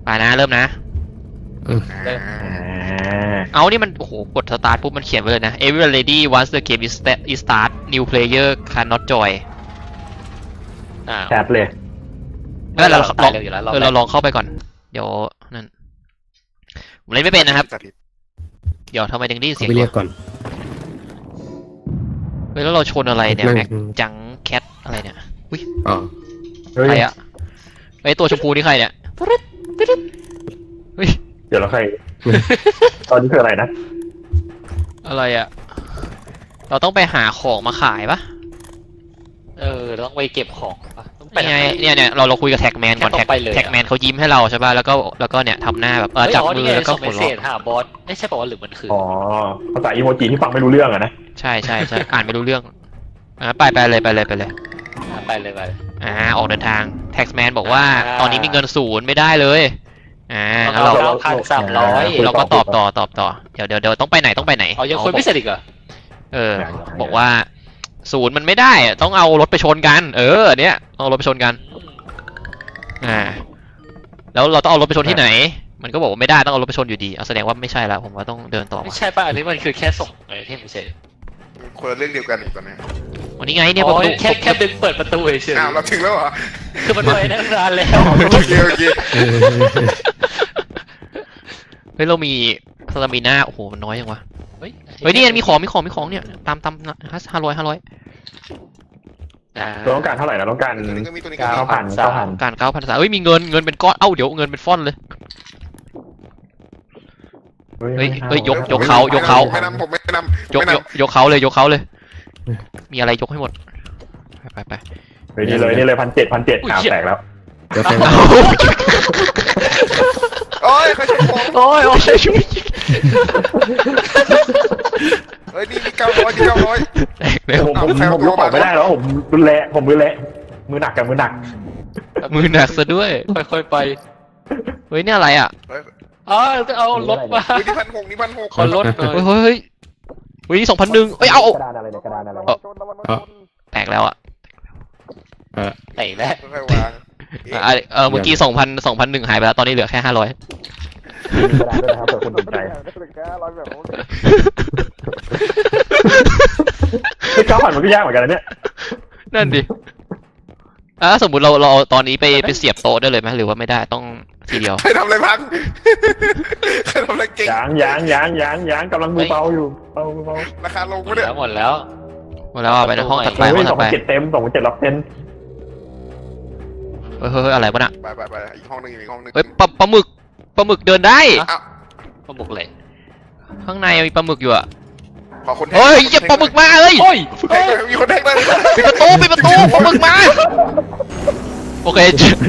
ไปนะเริ่มนะเอานี่มันโอ้โหกดสตาร์ทปุ๊บมันเขียนไว้เลยนะ Every lady once the game is start new player cannot join แคปเลยเราลองเข้าไปก่อนเดี๋ยวนั่นผมเล่นไม่เป็นนะครับเดี๋ยวทำไมถึงได้ยินเสียงไปเรียกก่อนเฮ้ยแล้วเราชนอะไรเนี่ยแม็กจังแคทอะไรเนี่ยอุ้ยอ๋อใครอะไอตัวชมพูนี่ใครเนี่ยเฮ้ยเดี๋ยวเราใคร ตอนนี้คืออะไรนะอะไรอะเราต้องไปหาของมาขายปะเราต้องไปเก็บของปะต้องไปไงเนี่ยเราคุยกับแท็กแมนก่อนแท็กแมนเขายิ้มให้เราใช่ป่ะแล้วก็เนี่ยทำหน้าแบบจับมือแล้วก็หัวเราะหาบอสไม่ใช่บอกว่าหรือมันคืออ๋อภาษาอีโมจิที่ฟังไม่รู้เรื่องอะนะใช่อ่านไม่รู้เรื่องไปเลยไปเลยออกเดินทางแท็กแมนบอกว่าตอนนี้มีเงินศูนย์ไม่ได้เลยงั้นเรา 1,300 เราก็ตอบต่อเดี๋ยวต้องไปไหนยังคุยไม่เสร็จอีกเหรอบอกว่าศูนย์มันไม่ได้ต้องเอารถไปชนกันเนี่ยเอารถไปชนกันแล้วเราต้องเอารถไปชนที่ไหนมันก็บอกว่าไม่ได้ต้องเอารถไปชนอยู่ดีแสดงว่าไม่ใช่แล้วผมว่าต้องเดินต่อไม่ใช่ป่ะอันนี้มันคือแค่ส่งไอ้ที่ไม่ใช่คนละเรื่องเดียวกันอีกตอนนี้วันนี้ไงเนี่ยประตูแค่ดึงเปิดประตูเฉยเราถึงแล้วเหรอคือมันไปนานแล้วโอเคเฮ้ยเรามีสตามิน่าโอ้โหมันน้อยยังวะเฮ้ยนี่มีของเนี่ยตาม500 เราต้องการเท่าไหร่นะต้องการ9,000 การ9,000เฮ้ยมีเงินเป็นก้อนเดี๋ยวเงินเป็นฟ่อนเลยเฮ้ยยกเขาไม่นำผมไม่นำยกเขาเลยมีอะไรยกให้หมดไปนี่เลย1,700ข่าวแตกแล้วโอ้ยเขาช่วยผมเฮ้ยนี่มี900 แตกเลยผมลุกออกไม่ได้แล้วผมรุนแรงมือหนักซะด้วยค่อยไปเฮ้ยนี่อะไรอ่ะเอารถมานี่1,600 ขอรถเฮ้ยนี่2,100เอากระดานอะไรแตกแล้วอ่ะไหนแล้วค่อยวางเมื่อกี้2,100หายไปแล้วตอนนี้เหลือแค่500 กระดานด้วยนะครับเผื่อคนสนใจ9,000มันก็ยากเหมือนกันนะเนี่ยนั่นดิสมมุติเราตอนนี้ไปเสียบโต๊ะได้เลยไหมหรือว่าไม่ได้ต้องทีเดียวใครทำอะไรพังใครทำอะไรเก่งยางกำลังมือเบาอยู่เบาราคาลงไม่ได้หมดแล้วไปในห้องถัดไป 2,700เต็ม2,700รับเต็มเฮ้ยอะไรวะน่ะไปอีกห้องนึงเฮ้ยปลาหมึกเดินได้ปลาหมึกเลยข้างในมีปลาหมึกอยู่อ่ะเฮ้ยเหยียบปลาหมึกมาเลยมีคนแทงเลยปิดประตูปลาหมึกมาโอเค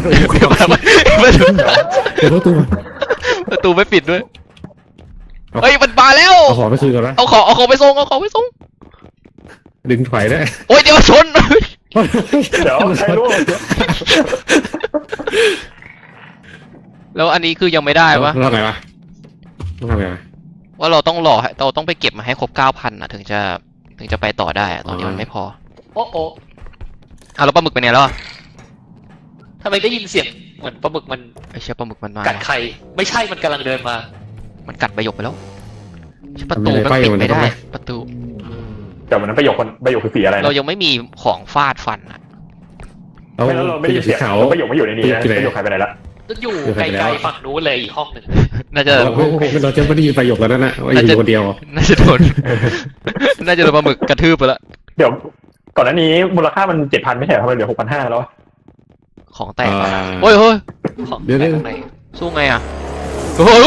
ประตูไม่ปิดด้วยเฮ้ยมันมาแล้วเอาของไปคืนก่อนนะเอาของไปส่งดึงถอยได้โอ้ยเดี๋ยวชนเดี๋ยวใครรู้แล้วอันนี้คือยังไม่ได้ปะเราไงวะต้องทำไงว่าเราต้องไปเก็บมาให้ครบ 9,000อ่ะถึงจะไปต่อได้ตอนนี้มันไม่พอโอ้แล้วปลาหมึกไปไหนแล้วทำไมได้ยินเสียงเหมือนปลาหมึกมันไอ้เชี่ยปลาหมึกมันมากัดใครไม่ใช่มันกำลังเดินมามันกัดใบหยกไปแล้วประตูมันปิดไม่ได้ประตูแต่วันนั้นประโยคคือสีอะไรเรายังไม่มีของฟาดฟันอ่ะเราไม่ได้เสียประโยคไม่อยู่ในนี้ประโยคใครไปไหนละอยู่ไกลๆฝั่งนู้นเลยอีกห้องหนึ่งน่าจะเราจะไม่ได้ยินประโยคแล้วนั่นนะว่าอยู่คนเดียวน่าจะโดนปลาหมึกกระทืบไปแล้วเดี๋ยวก่อนหน้านี้มูลค่ามัน 7,000 ไม่ใช่ทำไมเหลือ 6,500 แล้วของแตกเฮ้ยเดี๋ยวสู้ไงอ่ะเฮ้ย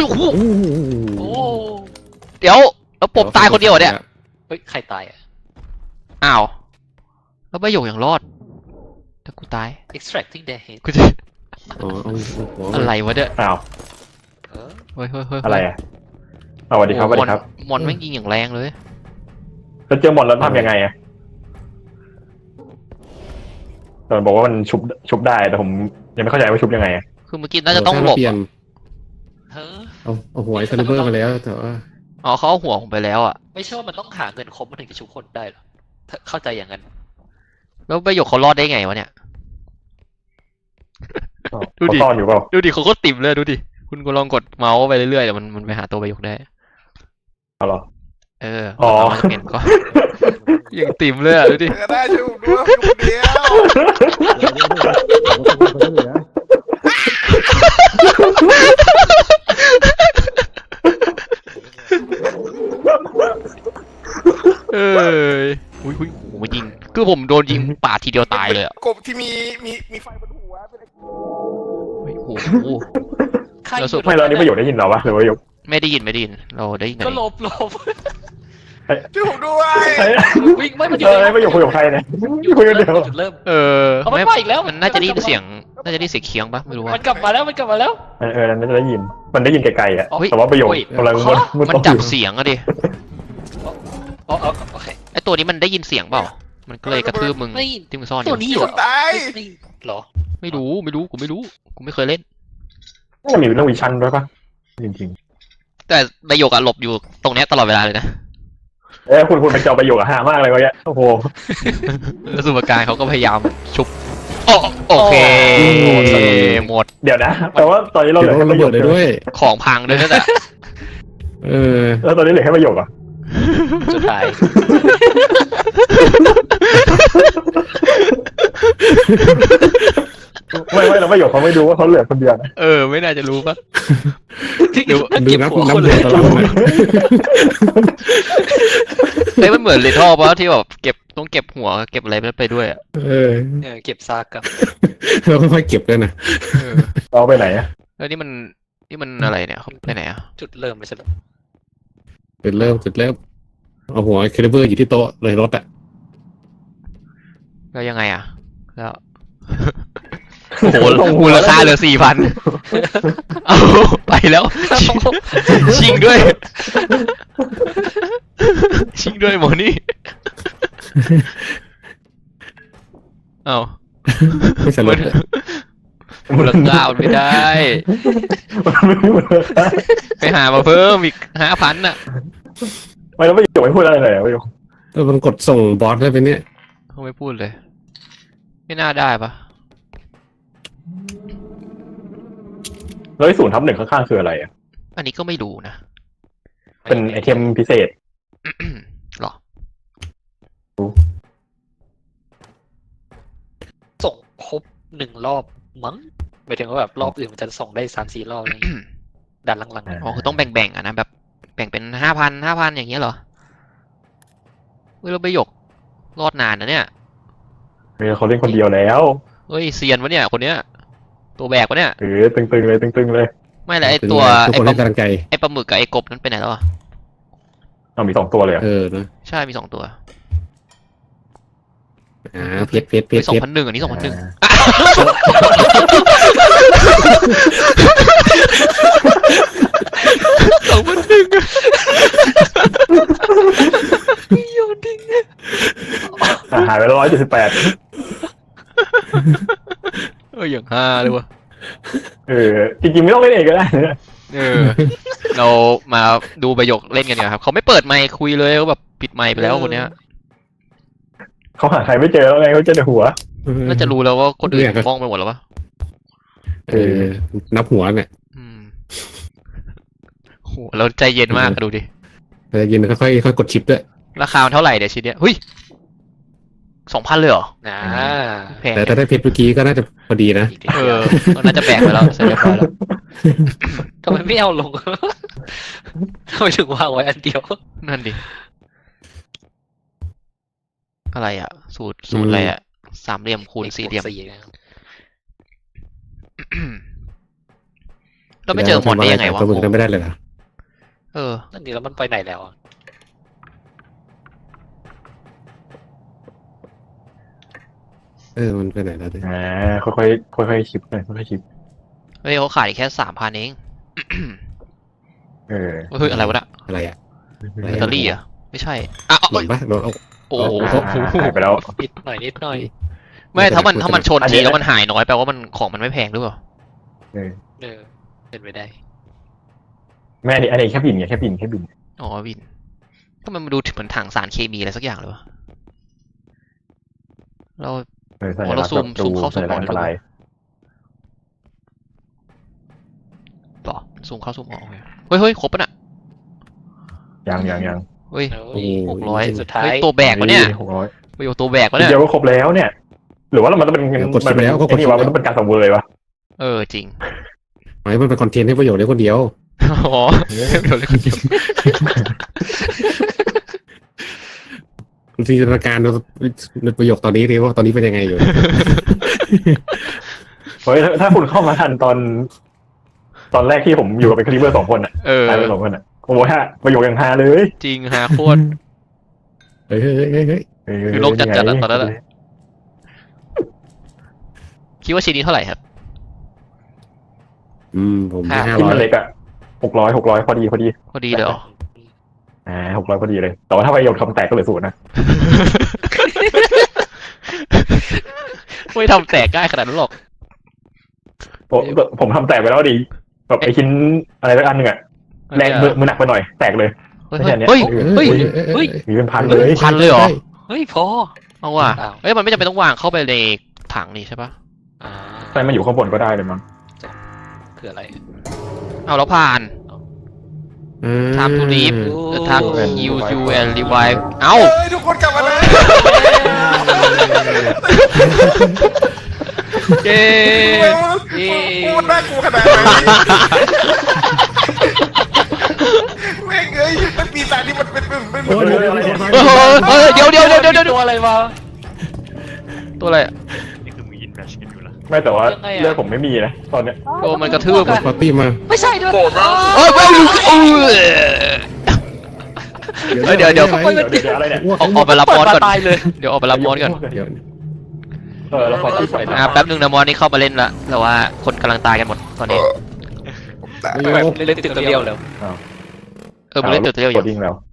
เดี๋ยวแล้วปบตายคนเดียวเนี่ยเฮ้ยใครตายอ้าวแล้วใบหยกยังรอดแต่กูตาย extracting their head กูจะอะไรวะเนี่ยอ้าวเฮ้ยอะไรอ่ะสวัสดีครับมอนแม่งยิงอย่างแรงเลยแล้วเจอมอนแล้วทำยังไงอ่ะตอนบอกว่ามันชุบได้แต่ผมยังไม่เข้าใจว่าชุบยังไงคือเมื่อกี้น่าจะต้องหลบเอาหัวไอ้ซันเบอร์มาแล้วแต่ว่าเขาเอาหัวผมไปแล้วอ่ะไม่ใช่ว่ามันต้องหาเงินครบมันถึงจะชุบคนได้หรอเข้าใจอย่างนั้นแล้วใบหยกเขารอดได้ไงวะเนี่ยดูดิเขาซ่อนอยู่เปล่าดูดิเขาก็ติ่มเลยดูดิคุณก็ลองกดเมาส์ไปเรื่อยๆเดี๋ยวมันไปหาตัวประโยคได้เอาเหรอเอออ๋อมันจะเป็นก็ ยังติ่มเลยอ่ะดูดิก็ได้ช่วยผมด้วยอยู่คนเดียวเอออุ้ยโหยิงคือผมโดนยิงปาดทีเดียวตายเลยอ่ะกบที่มีไฟบนหัวเป็นโอ้โหใครแล้วสุดไม่แล้วอันนี้ประโยชน์ได้ยินเราปะหรือว่าประโยชน์ไม่ได้ยินเราได้ยินก็หลบช่วยผมด้วยวิ่งไม่มันอยู่ประโยชน์คุยกับใครเนี่ยคุยกันเดียวจุดเริ่มเออเอามันมาอีกแล้วมันน่าจะได้ยินเสียงเคียงปะไม่รู้ว่ามันกลับมาแล้วมันกลับมาแล้วนั่นจะได้ยินมันได้ยินไกลๆอ่ะเฮ้ยแต่ว่าประโยชน์เฮ้ยกำลังมันมันจับเสียงอะดิโอเคไอตัวนี้มันได้ยินเสียงเปล่ามันก็เลยกระทืบมึงไม่ที่มึงซ่อนอตัวยู่นี้มีเหครนอตายเหรอไม่รู้กูไม่เคยเล่นน่าจะมีเรื่องวิชั่นด้วยปะจริงแต่ประโยคอะหลบอยู่ตรงเนี้ยตลอดเวลาเลยนะๆคุณไปเจาประโยชน์กับหามากเลยวะเนี่ยโอ้โหแล้วสุภการเขาก็พยายามชุบโอเคหมดเดี๋ยวนะแต่ว่าตอนนี้เราเหเดี๋ลืยวอแค่ระประโยเบิชดน์เลยด้วยของพังด้วยนั่นแหละเออแล้วตอนนี้เหลือแค่ประโยชน์อ่ะสุดท้ายไม่เราประโยชน์เขาไม่ดูว่าเขาเหลือคนเดียวนะเออไม่น่าจะรู้ปะดูดูเก็บนับหัวนับคนหัเลวย ตลอดนะเฮ้ยมันเหมือนเลทอลปะที่แบบต้องเก็บหัวเก็บอะไรไปด้วยอ่ะเออเก็บซากกับเราค่อยๆเก็บกันนะเอาไปไหนอ่ะแล้วนี่มันอะไรเนี่ยเขาไปไหนอ่ะจุดเริ่มไม่ใช่หรอจุดเริ่มเอาหัวเคลิเบอร์อยู่ที่โต๊ะเลยรถอ่ะแล้วยังไงอ่ะแล้วโอ้โหมูลค่าเหลือ 4,000เอาไปแล้วชิงด้วยหมอนี่เอาไม่ใช่รถอะมูลค่ามันไม่ได้มันไม่หมดเลยไปหามาเพิ่มอีก5,000อ่ะไม่แล้วประโยชน์ไม่พูดอะไรเลยประโยชน์มันกดส่งบอสได้ไปเนี่ยเขาไม่พูดเลย ไม่น่าได้ปะแล้ว0/1ข้างๆคืออะไรอ่ะอันนี้ก็ไม่รู้นะเป็นไอเทมพิเศษหรอส่งครบ1 รอบมั้งหมายถึงว่าแบบรอบอื่นมันจะส่งได้3-4 รอบอะไรอย่างเงี้ยดันหลังอ๋อคือต้องแบ่งๆอ่ะนะแบบแบ่งเป็น5,000อย่างเงี้ยเหรอเฮ้ยเราไปหยกรอดนานนะเนี่ยเขาเล่นคนเดียวแล้วเฮ้ยเซียนวะเนี่ยคนเนี้ยตัวแบกวะเนี่ยตึงๆเลยไม่แล้วไอตัวทุกคนให้กำลังใจไอปลาหมึกกับไอกบนั้นไปไหนแล้วอ่ะเอามี2 ตัวเลยเออนะใช่มี2 ตัวเพชรมี2,100อันนี้2,100 หายไปแล้ว178 อย่างห้าเลยวะจริงๆไม่ต้องเล่นเองก็ได้นะเรามาดูประโยคเล่นกันเนี่ยครับเขาไม่เปิดไมค์คุยเลยเขาแบบปิดไมค์ไปแล้วคนเนี้ยเขาหาใครไม่เจอแล้วไงเขาเจอแต่หัวน่าจะรู้แล้วว่าคนอื่นมองไปหมดแล้วปะนับหัวเนี่ยโหเราใจเย็นมากดูดิแต่ยินค่อยกดชิปด้วยราคามันเท่าไหร่เดี๋ยวชิ้นเนี้ยเฮ้ย2,000เลยเหรอๆนะแพงแต่ถ้าได้เพชรเมื่อกี้ก็น่าจะพอดีนะอีกทีน่าจะแบกไปแล้วเสร็จเรียบร้อยแล้วทำไมไม่เอาลงทำไมถึงวางไว้อันเดียวนั่นดิอะไรอ่ะสูตรอะไรอ่ะ3 เหลี่ยมคูณ 4 เหลี่ยมนะครับเราไม่เจอหมอนได้ยังไงวะตัวมึงไม่ได้เลยนะนั่นนี่แล้วมันไปไหนแล้วอะมันไปไหนแล้วเนี่ยค่อยๆชิปเลยค่อยๆชิปเฮ้ยเขาขายแค่ 3,000เอง เฮ้ยอะไรวะน่ะอะไรอ่ะแบตเตอรี่อ่ะไม่ใช่อ่ะหล่นปะโดนเอาโอ้โหหายไปแล้วนิดหน่อยไม่ถ้ามันชนทีแล้วมันหายน้อยแปลว่ามันของมันไม่แพงหรือเปล่าเป็นไปได้แม่อันนี้แค่บินไงแค่บินอ๋อวินก็มันดูเหมือนถังสารเคมีอะไรสักอย่างเลยวะเราเราซูมเข้าซูมออกอันตรายต่อซูมเข้าซูมออกโอเคเฮ้ยครบปะน่ะยังเฮ้ยโอ้ย 600 สุดท้ายเฮ้ยตัวแบกวะเนี่ย 600 ประโยคตัวแบกวะทีเนี่ยเดียวก็ครบแล้วเนี่ย หรือว่ามันต้องเป็นกดคลิปแล้วก็กดคลิปนี่วะมันต้องเป็นการสังเวยวะจริงหมายมันเป็นคอนเทนต์ให้ประโยชน์ได้คนเดียวอ๋อเดี๋ยวเลยคนเดียวคุณจินตนาการในประโยคตอนนี้ดิว่าตอนนี้เป็นยังไงอยู่เฮ้ยถ้าคุณเข้ามาทันตอนแรกที่ผมอยู่กับเป็นคลิปเบอร์2 คนอ่ะตายไป2 คนอ่ะโอ้โหฮะประโยคยังฮาเลยจริงหาโคตรเฮ้ยคือโลกจัดๆอะตอนนั้นอะ คิดว่าชิ้นนี้เท่าไหร่ครับผมให้ที่มัน 500 เล็กอ่ะ600พอดีพอดีเลยเหรอ 600พอดีเลย แต่ว่าถ้าประโยคทำแตกก็เหลือ0นะไม่ทำแตกง่ายขนาดนั้นหรอกผมทำแตกไปแล้วดีแบบไอชิ้นอะไรสักอันหนึ่งอะแรงมือหนักไปหน่อยแตกเลยเฮ้ยมีเป็นพันเลยพันเลยเหรอเฮ้ยพอเอาว่ะอ้าวเอ้ยมันไม่จำเป็นต้องวางเข้าไปในถังนี่ใช่ปะอ่าใช่มันอยู่ข้างบนก็ได้เลยมั้งคืออะไรเอาแล้วผ่าน time to leave the time heal you and revive เอ้าเฮ้ยทุกคนกลับมาเลยเย้พูดน่ากลัวขนาดไหนแม่งเอ้ยมันปีศาจนี่มันเป็นโอ้ยเดี๋ยวตัวอะไรวะตัวอะไรอะไม่แต่ว่ายังไงอะเลือดผมไม่มีนะตอนเนี้ยโดนมันกระทืบปาร์ตี้มาไม่ใช่ด้วยเฮ้ยเดี๋ยวเดี๋ยวอะไรเนี่ยออกไปรับมอสก่อนตายเลยเดี๋ยวออกไปรับมอสก่อนเดี๋ยวเราขอที่ใส่แป๊บนึงนะมอสนี่เข้ามาเล่นละแต่ว่าคนกำลังตายกันหมดตอนนี้เล่นตึกตัวเดียวเลยมันเล่นตึกเดียวอยู่กดดิ้งแล้ว